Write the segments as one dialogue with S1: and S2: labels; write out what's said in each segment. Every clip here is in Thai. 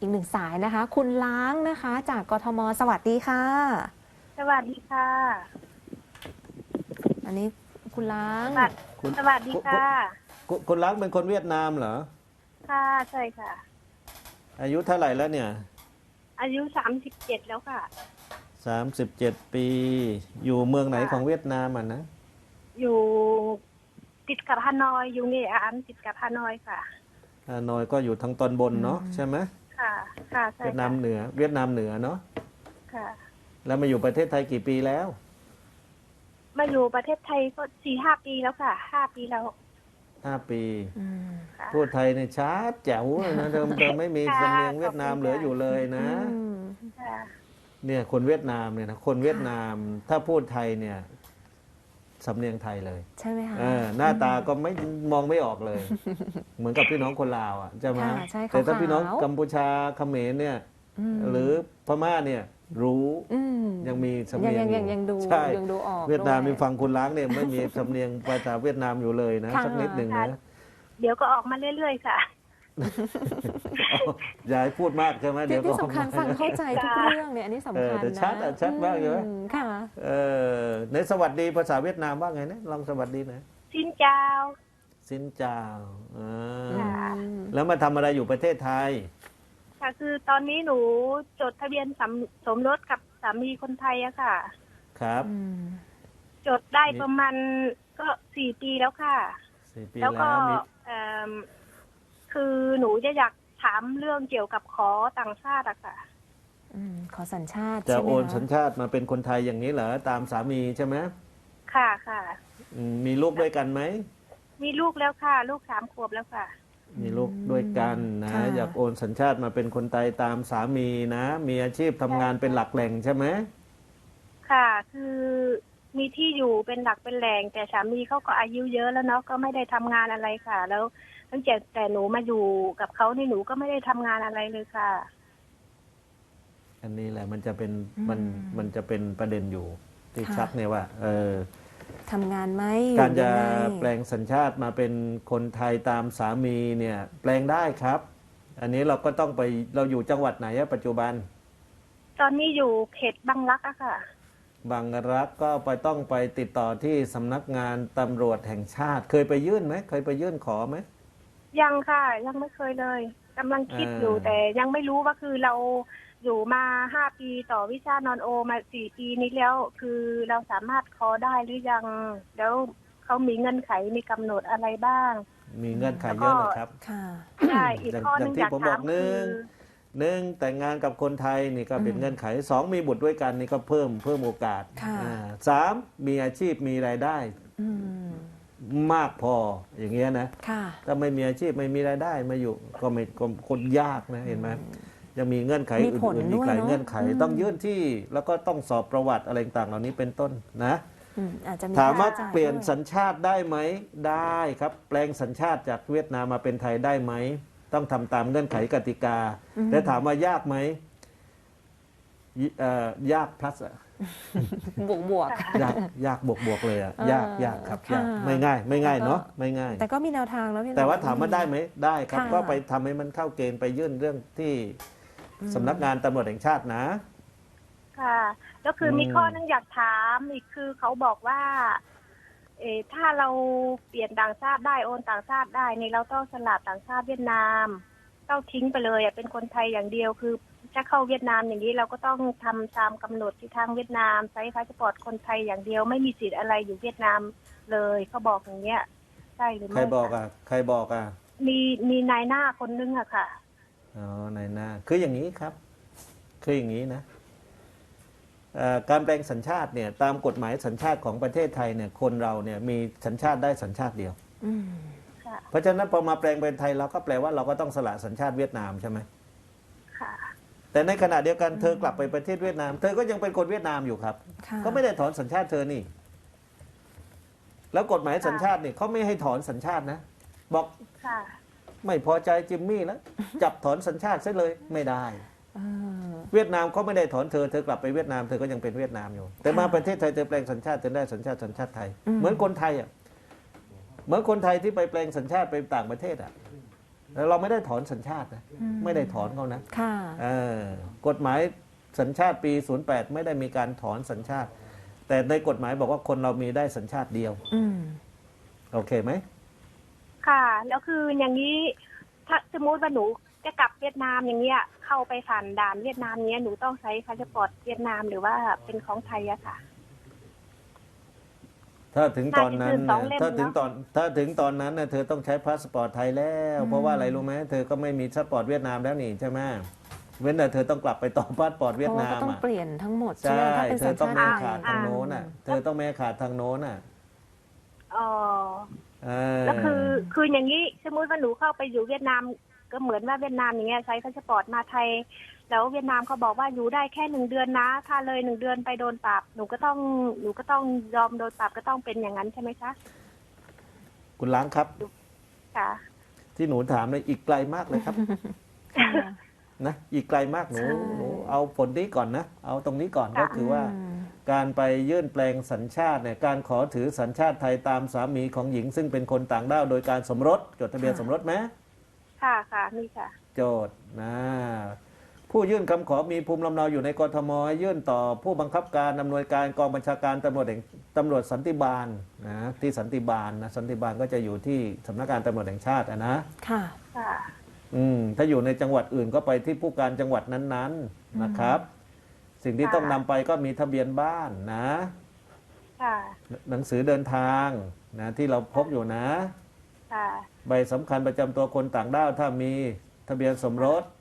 S1: อีกหนึ่งสายนะคะ คุณล้างนะคะจากกทมสวัสดีค่ะ
S2: สวัสดีค่ะ
S1: อันนี้คุณล้าง
S3: คุณ
S2: สวัสดีค่ะ
S3: คุณล้างเป็นคนเวียดนามเหรอ
S2: ค่ะใช่ค่ะ
S3: อายุเท่าไหร่แล้วเนี่ย
S2: อายุ37แล้วค่ะ
S3: 37 ปี อยู่เมืองไหน
S2: ค่ะ
S3: ของเวียดนามอ่ะนะ
S2: อยู่ติดกับฮานอยอยู่นี่อันติดกับฮานอยค่ะ
S3: ฮานอยก็อยู่ทางตอนบนเนาะใช่ไหม
S2: ค่ะ ค่ะใช่
S3: เวียดนา
S2: ค่ะ
S3: มเหนือ เวียดนามเหนือเนาะ
S2: ค่ะ
S3: แล้วมาอยู่ประเทศไทยกี่ปีแล้ว
S2: มาอยู่ประเทศไทยก็4-5 ปีแล้วค่ะ5 ปีแล้ว
S3: 5 ปี
S1: อืม
S2: ค่ะ
S3: พูดไทยเนี่ยชัดแจ๋วเลยนะเดิมไม่มี
S2: ค่ะ
S3: สำเนียงเวียดนาม
S2: ขอบคุณ
S3: เหลืออยู่เลยนะ
S1: อืม
S2: ค่ะ
S3: เนี่ยคนเวียดนามเนี่ยนะคนเวียดนามถ้าพูดไทยเนี่ยสำเนียงไทยเลย
S1: ใช่ไหมคะ
S3: หน้าตาก็ไม่มองไม่ออกเลย เหมือนกับพี่น้องคนลาวอ่ะใช่ไหม
S1: ค่ะใช่
S3: แต่ถ้า
S1: ขาวๆ
S3: พี่น้องกัมพูชาเขมรเนี่ย
S1: ม
S3: หรือพม่าเนี่ยรู้
S1: ม
S3: ยังมีสำเนียง
S1: ยังดู
S3: ใช่
S1: ยังดูออก
S3: เวียดนาม
S1: ด้
S3: มีฟังคุณล้างเนี่ยไม่มีสำเนียงภาษาเวียดนามอยู่เลยนะ
S1: ค่ะ
S3: สักนิดหนึ่งนะ
S2: เดี๋ยวก็ออกมาเรื่อยๆค่ะ
S3: อย่าให้พูดมากใช่ไหม
S1: ที่
S3: เดี๋ยวก็
S1: ที่สำคัญ
S3: ออกมา
S1: ฟังเข้าใจทุกเรื่องเนี่ยอันนี้สำคัญ
S3: แต่
S1: นะ
S3: ชัดอะชัดมากเลยไหม
S1: ค่ะ
S3: ในสวัสดีภาษาเวียดนามว่าไงนะลองสวัสดีหนะ
S2: สินเจ้า
S3: สินเจ้าอ่า
S2: ค่ะ
S3: แล้วมาทำอะไรอยู่ประเทศไทย
S2: ค่ะคือตอนนี้หนูจดทะเบียนสมรสกับสามีคนไทยอะค่ะ
S3: ครับ
S1: อืม
S2: จดได้ประมาณก็4 ปีแล้วค่ะ
S3: 4 ปี
S2: แล้วก็
S3: แล้วมี
S2: คือหนูจะอยากถามเรื่องเกี่ยวกับขอต่างชาติอะค่ะ
S1: ขอสัญชาติ
S3: จะ
S1: ใช่ไหม
S3: โอน
S1: คะ
S3: สัญชาติมาเป็นคนไทยอย่างนี้เหรอตามสามีใช่ไหม
S2: ค่ะค่ะ
S3: มีลูกด้วยกันไหม
S2: มีลูกแล้วค่ะ ลูก3 ขวบแล้วค่ะ
S3: มีลูกด้วยกันนะ
S1: ค่ะ
S3: อยากโอนสัญชาติมาเป็นคนไทยตามสามีนะ มีอาชีพทำงานเป็นหลักแหล่งใช่ไหม
S2: ค่ะ คือมีที่อยู่เป็นหลักเป็นแหล่ง แต่สามีเขาก็อายุเยอะแล้วเนาะก็ไม่ได้ทำงานอะไรค่ะ แล้วตั้งแต่หนูมาอยู่กับเขานี่หนูก็ไม่ได้ทำงานอะไรเลยค่ะ
S3: อันนี้แหละมันจะเป็นมันจะเป็นประเด็นอยู่ที่ชัดเนี่ยว่า
S1: ทำงานไหม
S3: การจะ
S1: อยู่ยังไง
S3: แปลงสัญชาติมาเป็นคนไทยตามสามีเนี่ยแปลงได้ครับ อันนี้เราก็ต้องไปเราอยู่จังหวัดไหนอะปัจจุบัน
S2: ตอนนี้อยู่เขตบางรักอะค่ะ
S3: บางรักก็ต้องไปติดต่อที่สำนักงานตำรวจแห่งชาติ เคยไปยื่นไหมเคยไปยื่นขอไหม
S2: ยังค่ะ ยังไม่เคยเลยกำลังคิดอยู่ แต่ยังไม่รู้ว่าคือเราอยู่มา5 ปีต่อวิชานอนโอมา4 ปีนี้แล้ว คือเราสามารถขอได้หรือยัง แล้วเขามีเงื่อนไขมีกำหนดอะไรบ้าง
S3: มีเงื่อนไขเยอะนะครับ
S1: ค่ะ
S2: ใช่อีกข้อหนึงอยาก
S3: ผมบ
S2: ถา
S3: อ
S2: ม
S3: กหนึ่
S2: คื
S3: ง
S2: อ
S3: แต่งงานกับคนไทยนี่ก็เป็นเงื่อนไข2มีบุตรด้วยกันนี่ก็เพิ่มโอกาส
S1: ค่ะ
S3: 3มีอาชีพมีรายได้
S1: อืม
S3: มากพออย่างเงี้ยนะ
S1: ค่ะ
S3: ถ้าไม่มีอาชีพไม่มีรายได้มาอยู่ก็ไม่ก็คนยากนะเห็นไหมยังมีเงื่อนไข
S1: มีผล
S3: อื่นๆ
S1: ด้
S3: อี
S1: วย
S3: กหลาย
S1: เนอะ
S3: เงื่อนไข ต้องยื่นที่แล้วก็ต้องสอบประวัติอะไรต่างๆเหล่านี้เป็นต้นนะ
S1: อาจจะมี
S3: ถามว่า
S1: ค่ใช้จ่
S3: เปลี่ยน
S1: ด้วย
S3: สัญชาติได้ไหมได้ครับ แปลงสัญชาติจากเวียดนามมาเป็นไทยได้ไหมต้องทำตามเงื่อนไขกติกาแต่ถามว่ายากไหมยากพลัสอะ
S1: บวก
S3: ยากบวกเลยอะ
S1: เออย
S3: ากครับ
S1: ค่ะ
S3: ยากไม่ง่าย
S1: แต่ก็
S3: เนาะไม่ง่าย
S1: แต่ก็มีแนวทางแล้วพี่
S3: แต่ว่าถามว่าได้ไหมได้ครับ
S1: ค่ะ
S3: ก็ไปทำให้มันเข้าเกณฑ์ไปยื่นเรื่องที่สำนักงานตำรวจแห่งชาตินะ
S2: ค่ะ แล้วคือมีข้อหนึงอยากถามอีกคือเขาบอกว่า ถ้าเราเปลี่ยนต่างชาติได้โอนต่างชาติได้นี่เราต้องสลับต่างชาติเวียดนามต้องทิ้งไปเลยเป็นคนไทยอย่างเดียวคือถ้าเข้าเวียดนามอย่างนี้เราก็ต้องทำตามกำหนดที่ทางเวียดนามใช้พาสปอร์ตคนไทยอย่างเดียวไม่มีสิทธิ์อะไรอยู่เวียดนามเลยเขาบอกอย่างเงี้ยใช่หรือไม่
S3: ใครบอก
S2: ะ
S3: อ่ะใครบอกอ่ะ
S2: มีนายหน้าคนนึงอะค่ะ
S3: อ๋อในหน้าคืออย่างนี้ครับ คืออย่างนี้นะการแปลงสัญชาติเนี่ยตามกฎหมายสัญชาติของประเทศไทยเนี่ยคนเราเนี่ยมีสัญชาติได้สัญชาติเดียว
S1: อืม
S2: ค่ะ
S3: เพราะฉะนั้นพอมาแปลงเป็นไทยเราก็แปลว่าเราก็ต้องสละสัญชาติเวียดนามใช่ไหม
S2: ค่ะ
S3: แต่ในขณะเดียวกันเธอกลับไปประเทศเวียดนาม เธอก็ยังเป็นคนเวียดนามอยู่ครับ
S1: ค่ะ
S3: ก็ไม่ได้ถอนสัญชาติเธอนี่ แล้วกฎหมายสัญชาตินี่เขาไม่ให้ถอนสัญชาตินะ บอก
S2: ค่ะ
S3: ไม่พอใจจิมมี่แล้ว จับถอนสัญชาติซะเลยไม่ได้
S1: เออ
S3: เวียดนามเขาไม่ได้ถอนเธอ เธอกลับไปเวียดนามเธอก็ยังเป็นเวียดนามอยู่ แต่มาประเทศไทยเธอแปลงสัญชาติเธอได้สัญชาติไทย เหมือนคนไทยอ่ะเหมือนคนไทยที่ไปแปลงสัญชาติไปต่างประเทศอ่ะแล้วเราไม่ได้ถอนสัญชาตินะ
S1: อืม
S3: ไม่ได้ถอนเขานะ
S1: ค่ะ
S3: กฎหมายสัญชาติปี 08 ไม่ได้มีการถอนสัญชาติ แต่ในกฎหมายบอกว่าคนเรามีได้สัญชาติเดียว
S1: อืม
S3: โอเคไหม
S2: ค่ะ แล้วคืออย่างนี้ ถ้าสมมติว่าหนูจะกลับเวียดนามอย่างเงี้ย เข้าไปผ่านด่านเวียดนามเนี้ยหนูต้องใช้พาสปอร์ตเวียดนามหรือว่าเป็นของไทยอะค่ะ
S3: ถ้าถึงตอนนั้น
S2: น่าจะยื่นสองเล่ม
S3: ถ้าถึงตอนนั้นน่ะเธอต้องใช้พาสปอร์ตไทยแล้ว
S1: อืม
S3: เพราะว่าอะไรรู้ไหมเธอก็ไม่มีพาสปอร์ตเวียดนามแล้วนี่ใช่ไหมเว้นแต่เธอต้องกลับไปต่อพาสปอร์ต
S1: เพ
S3: เวียด
S1: ราะว่า
S3: นา
S1: ก็
S3: ม
S1: ต้อง
S3: อ่ะ
S1: เปลี่ยนทั้งหมดใช่
S3: ใช่
S1: ไหมถ้าเป็น
S3: เธ
S1: สั
S3: อ
S1: ญ
S3: ต้อง
S1: ชาติ
S3: ไม่
S1: ไท
S3: ขาด
S1: ย
S3: ทางโน้นน่ะเธอต้องไม่ขาดทางโน้นน่ะ
S2: อ๋อ
S3: เออ
S2: แล้วคืออย่างนี้สมมติว่าหนูเข้าไปอยู่เวียดนาม ก็เหมือนว่าเวียดนามอย่างเงี้ยใช้พาสปอร์ตมาไทย แล้วเวียดนามเขาบอกว่าอยู่ได้แค่1 เดือนนะ ถ้าเลย1 เดือนไปโดนปรับหนูก็ต้องยอมโดนปรับก็ต้องเป็นอย่างนั้นใช่ไหมคะ
S3: คุณล้างครับ
S2: ค่ะ
S3: ที่หนูถามเลยอีกไกลมากเลยครับ
S1: ค่ะ
S3: นะอีกไกลมากหนู
S1: ใช่
S3: หนูเอาผลนี้ก่อนนะเอาตรงนี้ก่อนก็คือว่า
S1: อืม
S3: การไปยื่นแปลงสัญชาติเนี่ยการขอถือสัญชาติไทยตามสามีของหญิง ซึ่งเป็นคนต่างด้าวโดยการสมรสจดทะเบียน
S1: ค่ะ
S3: สมรสไหม
S2: ค่ะค่ะนี่ค่ะ
S3: โจทย์นะผู้ยื่นคำขอมีภูมิลำเนาอยู่ในกทมยื่นต่อผู้บังคับการอำนวยการกองบัญชาการตำรวจสันติบาลนะที่สันติบาลนะสันติบาลก็จะอยู่ที่สำนักงานตำรวจแห่งชาตินะ
S1: ค่ะ
S2: ค่ะ
S3: ถ้าอยู่ในจังหวัดอื่นก็ไปที่ผู้การจังหวัดนั้นๆนะครับ สิ่งที่
S2: ค่ะ
S3: ต้องนำไปก็มีทะเบียนบ้านนะ
S2: ค่ะ
S3: หนังสือเดินทางนะที่เราพกอยู่นะ
S2: ค่ะ
S3: ใบสำคัญประจำตัวคนต่างด้าวถ้ามีทะเบียนสมรส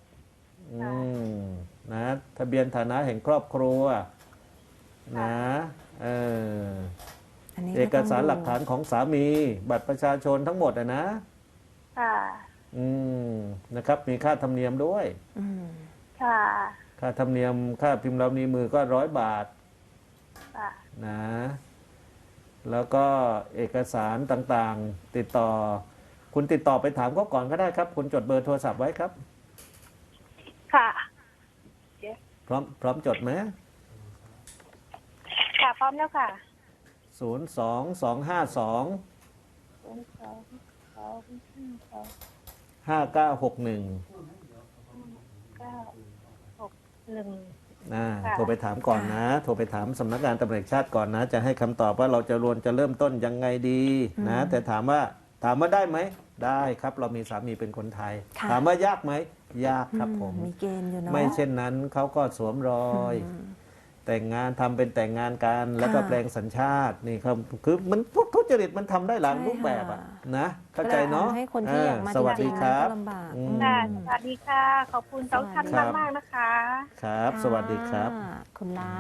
S3: นะทะเบียนฐานะแห่งครอบครัวนะเออ
S1: อันนี้
S3: เอกสาร
S1: ต้งดู
S3: หลักฐานของสามี บัตรประชาชนทั้งหมดนะ
S2: ค่ะ
S3: นะครับมีค่าธรรมเนียมด้วย
S1: อืม
S2: ค่ะ
S3: ค่าธรรมเนียมค่าพิมพ์ลายนิ้วมือก็100 บาท
S2: ค่ะ
S3: นะแล้วก็เอกสารต่างๆ ติดต่อ คุณติดต่อไปถามเขาก่อนก็ได้ครับ คุณจดเบอร์โทรศัพท์ไว้ครับ
S2: ค่ะ
S3: พร้อมจดไหม
S2: ค่ะ พร้อมแล้วค่ะ
S3: 02252
S2: 2 2 2 5 2
S3: 5961
S2: 9 6 1 ค่ะ
S3: โทรไปถามก่อนนะ โทรไปถามสำนักงานตำรวจแห่งชาติก่อนนะ จะให้คำตอบว่าเราจะเริ่มต้นยังไงดีนะ แต่ถามว่าได้ไหม ได้ครับ เรามีสามีเป็นคนไทย
S1: ค่ะ
S3: ถามว่ายากไหม ยากครับผม
S1: มีเกณฑ์อยู่เนาะ
S3: ไม่เช่นนั้นเขาก็สวมรอย
S1: อืม
S3: แต่งงานทำเป็นแต่งงานกันแล้วก็
S1: ค่ะ
S3: แปลงสัญชาตินี่ครับคือมันพวกทุจริตมันทำได้หลาย
S1: ใช่
S3: รูปแบบอะ
S1: ค่ะ
S3: นะเข้าใจเนาะ
S1: ทำให้คนที่อยากมา
S3: สวัส
S1: จริ
S3: ดี
S1: งๆ
S3: ค
S1: มัน
S3: รับ
S1: ก็ลำบาก
S3: อืม
S2: ค่ะ สวัสดีค่ะ ขอบคุณสองท่าน
S3: ครับ
S2: มากๆนะคะ
S3: ครับ สวัสดีครับ
S1: ะคุณล้า